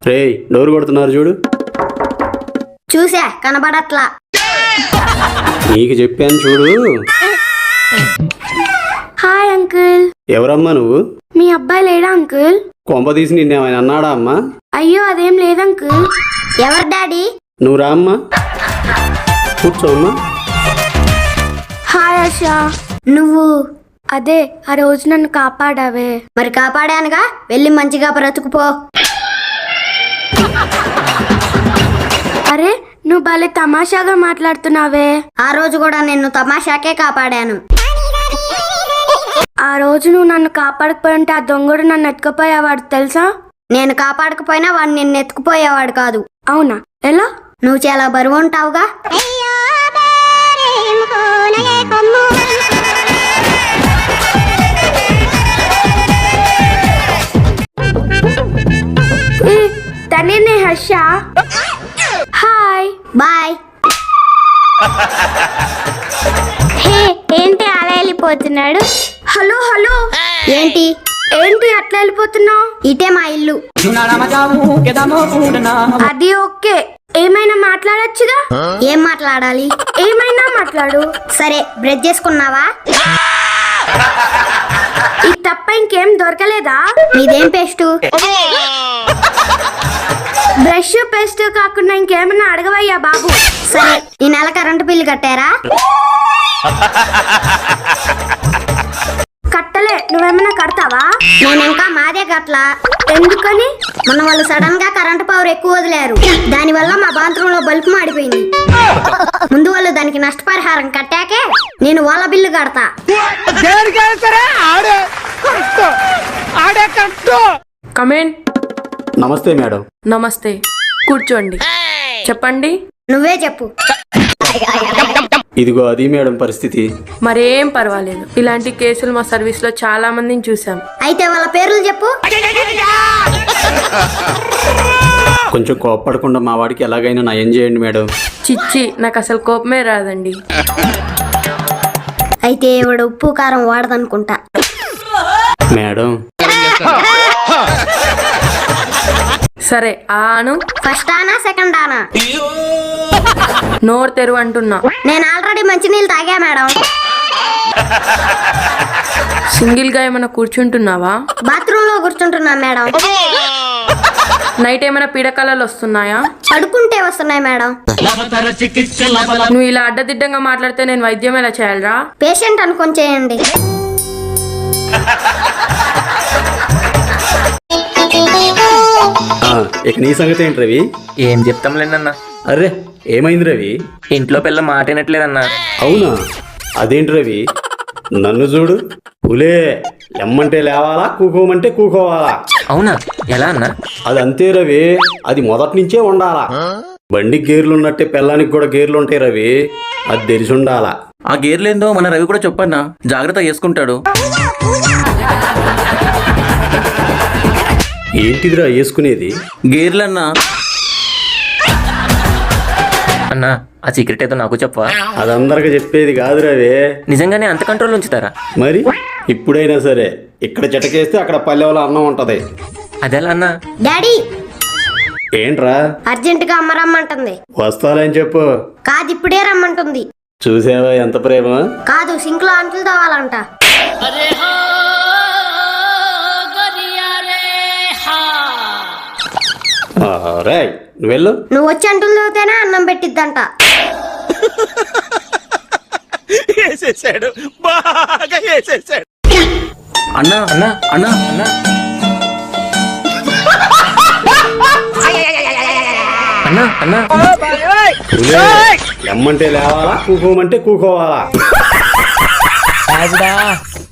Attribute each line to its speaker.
Speaker 1: రేయ్ డోర్ కొడుతున్నారు చూడు.
Speaker 2: చూసా కనబడట్లా.
Speaker 1: నీకు చెప్పాను చూడు.
Speaker 2: Hi uncle.
Speaker 1: ఎవరమ్మా నువ్వు?
Speaker 2: మీ అబ్బాయి లేడా అంకుల్?
Speaker 1: కొంప తీసి నిన్నేమైనా అన్నాడా అమ్మా?
Speaker 2: అయ్యో అదేం లేదంకుల్. ఎవరు డాడీ?
Speaker 1: నువ్వు రా అమ్మా, కూర్చోమ్మా.
Speaker 2: హాయ్ ఆశా. నువ్వు అదే ఆ రోజు నన్ను కాపాడావే. మరి కాపాడానుగా, వెళ్ళి మంచిగా బ్రతుకుపో. అరే నువ్వు భలే తమాషాగా మాట్లాడుతున్నావే. ఆ రోజు కూడా నిన్ను తమాషాకే కాపాడాను. ఆ రోజు నువ్వు నన్ను కాపాడకపోయి ఉంటే ఆ దొంగడు నన్ను ఎత్తుకుపోయేవాడు తెలుసా? నేను కాపాడకపోయినా వాడు నిన్ను ఎత్తుకుపోయేవాడు కాదు. అవునా? ఎలా? నువ్వు చాలా బరువు ఉంటావుగా. తనే హర్ష. Hi bye. హే ఏంటి అలా వెళ్ళిపోతున్నాడు? Hello hello. ఏంటి ఏంటి అట్లా వెళ్ళిపోతున్నావు? ఇటే మా ఇల్లు. అది ఓకే, ఏమైనా మాట్లాడొచ్చుగా. ఏం మాట్లాడాలి? ఏమైనా మాట్లాడు. సరే బ్రష్ చేసుకున్నావా? ఈ తప్ప ఇంకేం దొరకలేదా? నీదేం పేస్టు? బ్రష్ పేస్ట్ కాకుండా ఇంకేమన్నా అడగవయ్యా బాబు. సరే ఈ నెల కరెంటు బిల్లు కట్టారా? కట్టలే. నువ్వేమన్నా కడతావా? నేను ఇంకా మాదే కట్టలా. ఎందుకని? మొన్న వాళ్ళు సడన్ గా కరెంటు పవర్ ఎక్కువ వదిలేరు, దాని వల్ల మా బాత్రూమ్ లో బల్బు మాడిపోయింది. ముందు వాళ్ళు దానికి నష్టపరిహారం కట్టాకే నేను వాళ్ళ బిల్లు కడతా.
Speaker 3: కమేన్.
Speaker 1: నమస్తే మేడం.
Speaker 3: నమస్తే, కూర్చోండి. చెప్పండి.
Speaker 2: నువ్వే చెప్పు.
Speaker 1: ఇదిగో అది మేడం పరిస్థితి.
Speaker 3: మరేం పర్వాలేదు, ఇలాంటి కేసులు మా సర్వీస్ లో చాలా మందిని చూసాం.
Speaker 2: అయితే వాళ్ళ పేర్లు చెప్పు.
Speaker 1: కొంచెం కోప్పడకుండా మా వాడికి ఎలాగైనా నయం చేయండి మేడం.
Speaker 3: చిచ్చి, నాకు అసలు కోపమే రాదండి.
Speaker 2: అయితే వాడు ఉప్పు కారం వాడదనుకుంటా.
Speaker 1: మేడం
Speaker 3: సరే ఆను.
Speaker 2: ఫస్ట్ ఆనా సెకండ్ ఆనా?
Speaker 3: నోరు తెరువు అంటున్నా.
Speaker 2: నేను ఆల్రెడీ మంచినీళ్ళు తాగా మేడం.
Speaker 3: సింగిల్ గా ఏమైనా కూర్చుంటున్నావా?
Speaker 2: బాత్రూమ్ లో కూర్చుంటున్నా మేడం.
Speaker 3: నైట్ ఏమైనా పీడకలలు వస్తున్నాయా?
Speaker 2: పడుకుంటే వస్తున్నాయి మేడం.
Speaker 3: నువ్వు ఇలా అడ్డదిడ్డంగా మాట్లాడితే నేను వైద్యం ఎలా చేయాలరా?
Speaker 2: పేషెంట్ అనుకొని చేయండి.
Speaker 1: ఇక నీ సంగతి ఏంటి రవి?
Speaker 4: ఏం చెప్తాంలేండన్నా.
Speaker 1: అరే ఏమైంది రవి?
Speaker 4: ఇంట్లో పిల్ల మాట వినట్లేదన్నా.
Speaker 1: అవునా? అదేంటి రవి, నన్ను చూడు. పులే లెమ్మంటే లేవాలా, కూకోమంటే కూకోవాలా.
Speaker 4: అవునా? ఎలా అన్నా?
Speaker 1: అది అంతే రవి, అది మొదటి నుంచే ఉండాలా. బండికి గేర్లు ఉన్నట్టే పిల్లానికి కూడా గేర్లు ఉంటాయి రవి, అది తెలిసి ఉండాలా.
Speaker 4: ఆ గేర్లేందో మన రవి కూడా చెప్పన్నా, జాగ్రత్త చేసుకుంటాడు.
Speaker 1: ఏంటిదిరా వేసుకునేది?
Speaker 4: గేర్లన్నా. అన్నా ఆ సీక్రెట్ ఏదో నాకు చెప్పవా?
Speaker 1: అదందరికి చెప్పేది కాదు రవి.
Speaker 4: నిజంగానే అంత కంట్రోల్ ఉంచుతారా?
Speaker 1: మరి ఇప్పుడైనా సరే ఇక్కడ చిటకేస్తే అక్కడ పల్లెవలో అన్నం ఉంటది.
Speaker 4: అదెలా అన్నా?
Speaker 2: డాడీ
Speaker 1: ఏంట్రా?
Speaker 2: అర్జెంట్ గా అమ్మ రమ్మంటుంది.
Speaker 1: వస్తాలని చెప్పు.
Speaker 2: కాదు ఇప్పుడే రమ్మంటుంది.
Speaker 1: చూసావా ఎంత ప్రేమ?
Speaker 2: కాదు సింక్ లో అంటులు తవ్వాలంట.
Speaker 1: రేయ్ నువ్వు వెళ్ళు.
Speaker 2: నువ్వు వచ్చి అంటులు తవ్వుతేనే అన్నం పెట్టిద్దంట.
Speaker 4: అన్నా అన్నా అన్నా అన్నా అన్నా అన్నా
Speaker 1: పులే లెమ్మంటే లేవాలా, కూకోమంటే కూకోవాలా.